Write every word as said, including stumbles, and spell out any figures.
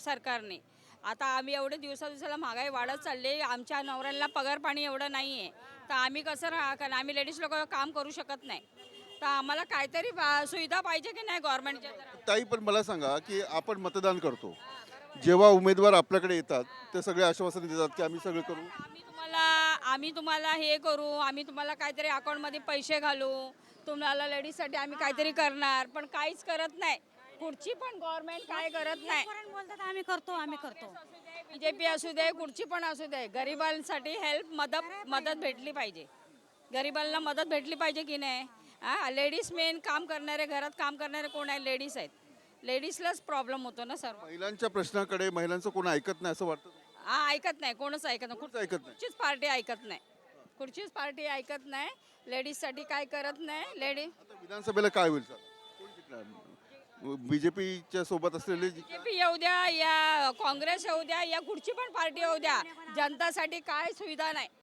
सरकारने. आता आम्ही एवढे दिवसा दिवसाला महागाई वाढत चालली, आमच्या नवऱ्यांना पगार पाणी एवढं नाही आहे, तर आम्ही कसं राहा, कारण आम्ही लेडीज लोक काम करू शकत नाही. तर आम्हाला काहीतरी बा- सुविधा पाहिजे की नाही गव्हर्नमेंटच्या. ताई, पण मला सांगा की आपण मतदान करतो, जेव्हा उमेदवार आपल्याकडे येतात ते सगळे आश्वासन देतात की आम्ही सगळं करू. आम्ही तुम्हाला आम्ही तुम्हाला हे करू, आम्ही तुम्हाला काहीतरी अकाउंटमध्ये पैसे घालू, तुम्हाला लेडीजसाठी आम्ही काहीतरी करणार, पण काहीच करत नाही. कुठची पण गव्हर्नमेंट काय करत नाही. पर्यंत बोलतात आम्ही करतो आम्ही करतो. बीजेपी असू दे, कुठची पण असू दे, गरिबांसाठी हेल्प मदत मदत भेटली पाहिजे. गरिबांना मदत भेटली पाहिजे की नाही. हा, लेडीज मेन काम करणारे, घरात काम करणारे कोण आहे? लेडीज आहेत. लेडीजलाच प्रॉब्लेम होतो ना सर्व. महिलांच्या प्रश्नाकडे महिलांचं कोण ऐकत नाही असं वाटतं. हा, ऐकत नाही, कोणच ऐकत नाही. कोणच ऐकत नाही. कुठचीच पार्टी ऐकत नाही. कुठचीच पार्टी ऐकत नाही. लेडीजसाठी काय करत नाही. लेडीज आता विधानसभेला काय होईल सर? कोण जिंकणार? बीजेपीच्या सोबत असलेले जी- बीजेपी येऊ द्या या काँग्रेस येऊ द्या या कुठची पण पार्टी येऊ द्या, जनतासाठी काय सुविधा नाही.